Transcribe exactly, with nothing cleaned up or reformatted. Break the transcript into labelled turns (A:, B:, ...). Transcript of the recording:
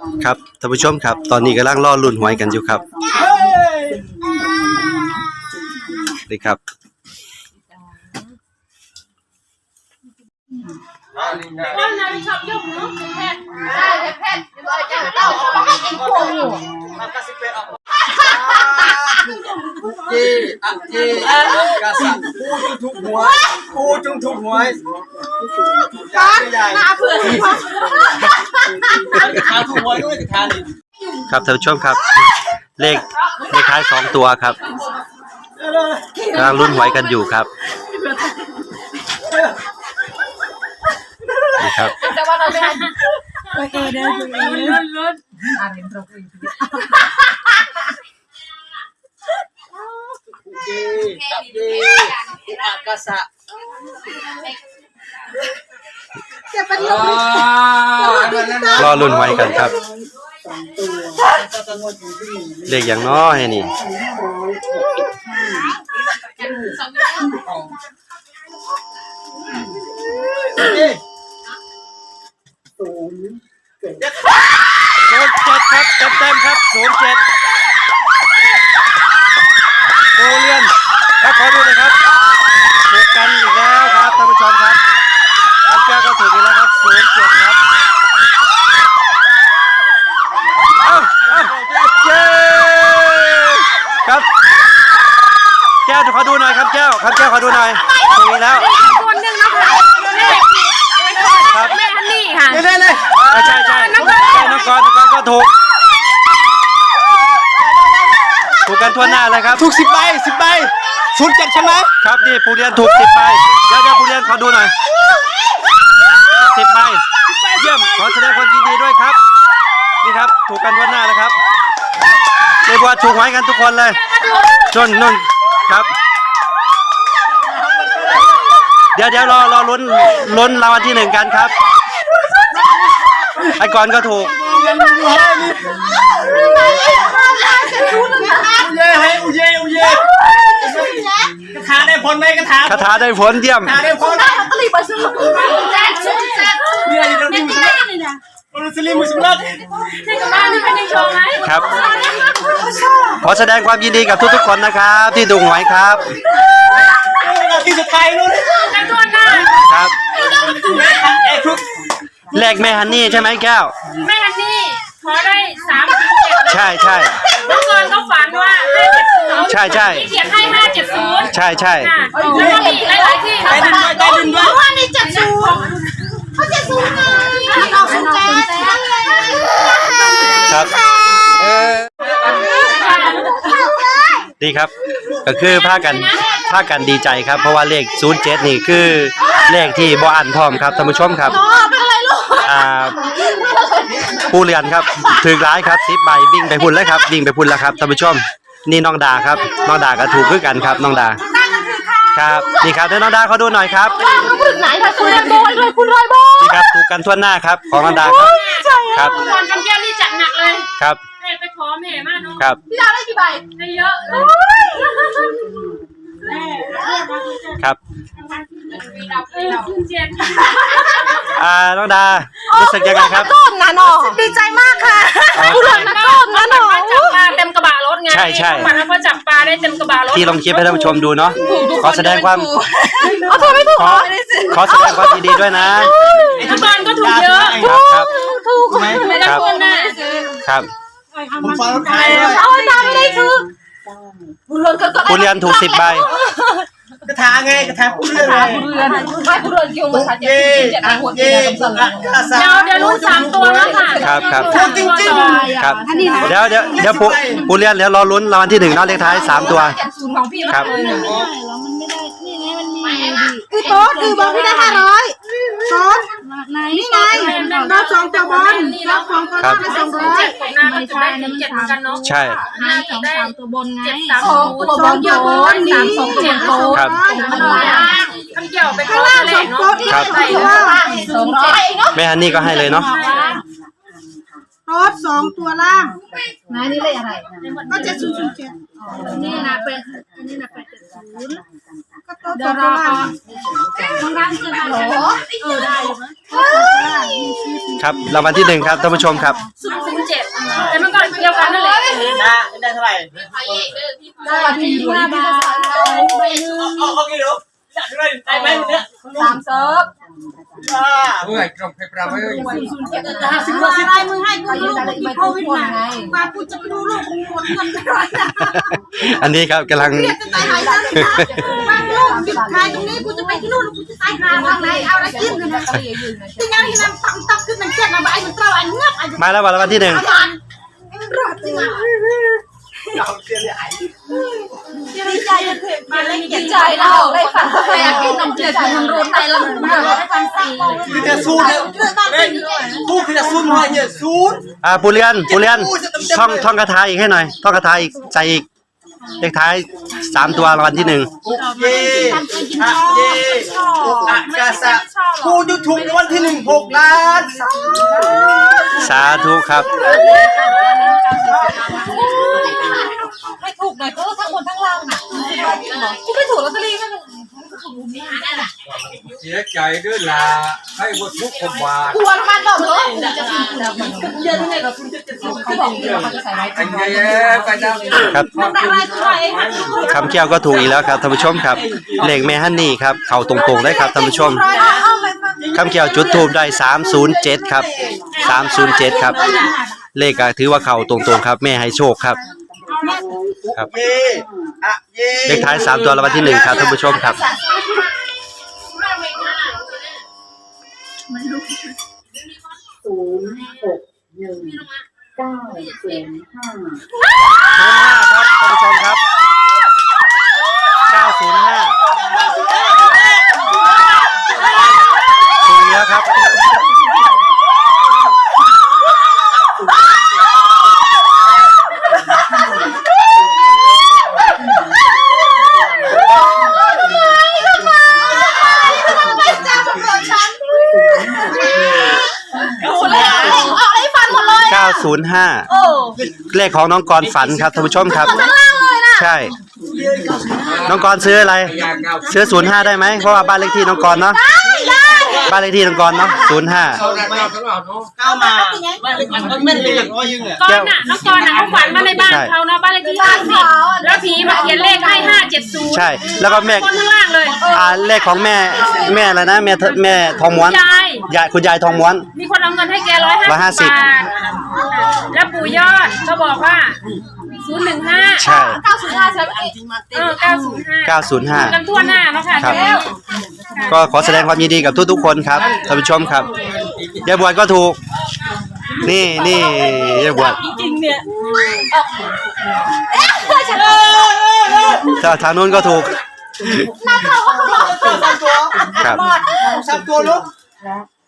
A: ครับท่านผู้ชมครับตอนนี้กำลังล่อลุ่นหวยกันอยู่ครับนี่ครับ
B: ว่านาฬิกายุ่งเนาะแพทย์ได้แพทย์จะเราต้องให้เองควงอยู่
C: เย่อะเย่กระสับกูจุงทุกหัวกูจุงทุกหัวจ้าใหญ่มาเพื่อนทานทุกหัวด้วยทาน
A: ครับท่านผู้ชมครับเลขเลขท้ายสองตัวครับกำลังลุ้นหวยกันอยู่ครับนี่ครับ
B: แต่ว่าเราไม่โอเคเด้อลุ้นลุ้นอ่านเป็นตรงอีก
C: เย่กับเย่อะกระสับ
A: รอลุ้นหวยกันครับเลขอย่างน้อยนี่ศูนย์เจ็ดครับเต็มๆครับศูนย์เจ็ดโอเลียนครับขอดูหน่อยครับถูกกันอีกแล้วครับท่านผู้ชมครับอันแก้วก็ถูกอีกแล้วครับศูนย์เจ็ดครับเอ้าเอ้าเย้ครับแก้วขอดูหน่อยครับแก้วครับแก้วขอดูหน่อยถูกอีกแล้ว
B: คนหนึ่งนะคะครับแม่ฮันนี่ค่ะ
A: ใช่เลยใช่ใช่น้องกรน้องกรก็ถูกถูกกันทั่วหน้าเลยครับ
C: ถูกสิบใบสิบใบศูนย์เจ็ดใช่ไหม
A: ครับนี่ผู้เรียนถูกสิบใบเดี๋ยวเดี๋ยวผู้เรียนขอดูหน่อยสิบใบเยี่ยมขอแสดงความยินดีด้วยครับนี่ครับถูกกันทั่วหน้าเลยครับเรียกว่าถูกหวยกันทุกคนเลยจนนุ่นครับเดี๋ยวเดี๋ยวรอรอลุ้นลุ้นรางวัลที่หนึ่งกันครับไอ้ก่อนก็ถูก
C: เย่ให้อุเย่อุเย่กระถาได้ผลไหมกระถา
A: คาถาได้ผลเยี่ยม
C: กระถาได้ผล
B: ก็รีบมาซื้อแจ็คซื้อแจ็ค
C: เนี่ยเราดูสิเราสลิมมุสลิม
B: นี่กับบ้านนี่เป็นยังโชว์ไหม
A: ครับขอแสดงความยินดีกับทุกๆคนนะครับที่ถูกหวยครับ
C: ที่สุดท้ายนู้น
B: กันตัวหน้า
A: ครับแรกแม่ฮันนี่ใช่ไหมแก้ว
B: แม่ฮันนี่ขอได้สามถึงเจ็ด
A: ใช่ใช่
B: เมื่อก่อนเขาฝันว่าห้าเจ็ดศูนย์
A: ใช่ใช่
B: เขียนให้ห้าเจ็ดศูนย์
A: ใช่ใช่
B: แล้วก็มีหลายๆที่เขาฝันได้ดุนด้วยว่านี่เจ็ดศูนย์เขาเจ็ดศูนย์ไงเราศูนย์แจ๊
A: ครับเออดีครับก็คือพากันพากันดีใจครับเพราะว่าเลขศูนย์เจ็ดนี่คือเลขที่บ่อันพร้อมครับท่านผู้ชมครับอ่าผู้เรียนครับถือร้ายครับสิบใบวิ่งไปพุ่นแล้วครับวิ่งไปพุ่นแล้วครับท่านผู้ชมนี่น้องดาครับน้องดาก็ถูกคือกันครับน้องดาครับนี่ครับเดี๋ยวน้องดาเขาดูหน่อยครับ
B: ไหนคะคุณรอยบอยเลยคุณรอยบอย
A: นี่ครับถูกกันทั่วหน้าครับของน้องดาครับครับ
B: ตอนกันแก้วนี่จัดหนักเลย
A: ครับ
B: แม่ไปขอแม่มากเนาะ
A: ครับ
B: พี่ดาได้กี่ใบได้เยอะเลย
A: ครับ
B: เจ็ด
A: อ่าน้องดารู้สึกยังไงครับ
B: ต้นนะน้องดีใจมากค่ะผู้หลานนะต้นนะน้องจับปลาเต็มกระบะรถไง
A: ใช่ใช่
B: มันเขาจับปลาได้เต็มกระบะรถ
A: ที่ลงคลิปให้ท่านผู้ชมดูเนาะขอแสดงความ
B: เอาถูกไม่ถูก
A: ขอขอแสดงความยินดีด้วยนะ
B: ทุกคนก็ถูกเยอะ
A: ครับ
B: ถูกไม่ได้คนน่ะ
A: ครับ
C: ผมฟังใคร
B: เอาตาไม่ได้ซื้อ
A: ผู้เรียนถูกสิบใบ
C: กระถาไงกระถาผู้เรือน
B: ผู้เรือนไม่ผู้เรือนคิวมาค่ะเจ็ดเจ็ดหัวเจ็ดเดี๋ยวเดี๋ยวลุ้นสามตัวแล้วค่ะ
A: ครับครับ
C: จริงจริง
A: ครับเดี๋ยวเดี๋ยวเดี๋ยวผู้ผู้เรียนเดี๋ยวรอลุ้นรางวัลที่หนึ่งนอกเลขท้ายสามตัวครับ
D: คือโต๊ดคือบอกพี่ได้ห้าร้อยโต๊ดนี่ไงรับสองตัวบอลรับสองตัวได้สองร้อย
B: หน้าก็จะได้ถึงเจ็ดเหมือนกันเนาะ
A: ใช่
B: ห้าสองสามตัวบนไงเจ็ดสามตัวบนเยอะสามสองเจ็ดโต๊ด
A: ครับ
B: คำเกี่ยวไปข้างล่างสองโต๊ด
A: ครับ
B: สองร้อย
A: แม่ฮันนี่ก็ให้เลยเนาะ
D: โต๊ดสองตัวล่าง
B: นายนี่เลขอะไร
D: ก็เจ็ดศูนย์ศูนย์เจ็ด
B: นี่นะเป็นนี่นะเป็นเจ็ดศูนย์
D: ก็โต๊ดสองตัวล่าง
B: ต้องการซื้อฮัลโหลเออได้
A: ครับรางวัลที่หนึ่งครับท่านผู้ชมครับ
B: นย์เจ็ดแต่เมื่อก่อนเดียวกันนั่นแหละ
C: นะได้เท่าไหร่
D: ได้ที่ห้าบาทใบหนึ่ง
C: เอาเอากี่ลูกอยากได้ได้ไหมเนี่ย
D: สามเซิร์ฟ
C: เมื่อไหร่กรอบเพปราไว้
D: ห้าสิบว่าสิบมึงให้กูลูกไปโควิดมาไงมากูจะไปดูลูกกูหมดเงินไปร้อยนะ
A: อันนี้ครับกำลัง
D: เรียกจะตายหายซะบางลูกหยุดขายตรงนี้กูจะไปที่นู่นกูจะตายหาทางไหนเอาอะไรกินกันนะที่นั่นที่นั่นตั้งตั้งขึ้นมันเจ็ดมาไอ้มันเต้าไอ้เงือบไอ้
A: มาแล้ววันละวันที่หนึ่ง
D: รอดจริง
C: เราเสียใหญ่
D: ดีใจจะเถิดมาเลยดีใจนะออกได้ฝันใครอยากกินนมเกลือทำรูนไทยแล้วมันได้ฟันสี
C: คือจะสู้เนี่ยสู้คือจะสู้มาเนี่ยสู้
A: อ่าปูเรียนปูเรียนท่องท่องคาถาอีกให้หน่อยท่องคาถาอีกใจอีกเลขท้ายสามตัวรางวัลที่หนึ่ง
C: เย่อะเย่อะกาซะกูจะถูกวันที่หนึ่งหกล้าน
A: สาธุครับ
D: ให้ถูกหน่อยก็ทั้งบนทั้งล่างน่ะกูไม่ถูกลอตเตอรี่ก็
E: เสียใจด้วยล่ะให้หมดทุกคนบาท
D: กลัวมันบอกเลยจะกินกูแล้วมันเยอะที่ไหนก็คุณจะจะเขาบอกเดี๋ยวเขาจะใส่ไว้
E: อันเย่ไปนะ
A: ครับ
D: ได้อะไรตัวเอง
A: คำเกี่ยวก็ถูกอีกแล้วครับท่านผู้ชมครับเลขแม่ฮันนี่ครับเข้าตรงๆได้ครับท่านผู้ชมคำเกี่ยวจุดทูบได้สามศูนย์เจ็ดครับสามศูนย์เจ็ดครับเลขก็ถือว่าเข้าตรงๆครับแม่ให้โชคครับครับ
C: เย่อะเย่
A: เลขท้ายสามตัวรางวัลที่หนึ่งครับท่านผู้ชมครับ
F: ศูนย์หกหนึ่งเก้าศูนย์ห้า
A: ครับท่านผู้ชมครับเก้าศูนย์ห้าถูกแล้วครับเก้าศูนย์ห้าเลขของน้องกรฝันครับท่านผู้ชมครับใช่น้องกรซื้ออะไรซื้อศูนย์ห้าได้ไหมเพราะว่าบ้านเลขที่น้องกรเนาะบ้านเลขที่น้องกรเนาะศูนย์ห้า
E: เอาละเอาละเอา
C: เข้ามามันไม่เลยร้อยยิงอ่ะ
B: ก่อนน่ะน้องกรน่ะเขาฝันมาในบ้านเขาเนาะบ้านเลขที่ห้าสิบแล้วผีมาเขียนเลขให้ห้าเจ็ดศูนย์
A: ใช่แล้วก็แม่
B: คนข้างล่างเลย
A: อ่าเลขของแม่แม่อะไรนะแม่แม่ทองม้วน
B: ยาย
A: ยายคุณยายทองม้วน
B: มีคนเอาเงินให้แกร้อย
A: ร้อยห้า
B: ห้า
A: สิ
B: สิ
A: บ
B: บบาทแล้วปู่ยอดก็บอกว่าศูนย์หนึ่งห้า
A: ใช่
D: เก้าศูนย์ห้าใช่ไหม
B: เออเก้าศูนย์ห้า
A: เก้าศูนย์ห้า
B: กันทั่วหน้าเนาะค่ะ
A: ครับ
B: แล้ว
A: ก็ขอแสดงความยินดีกับทุกๆคนครับท่านผู้ชมครับยายบวชก็ถูก นี่นี่ยายบวช
D: จริงเนี่ย
A: ถ้าทางนู้นก็ถูก
C: สามตัว
A: ครับ
C: สามตัวลูก
F: และ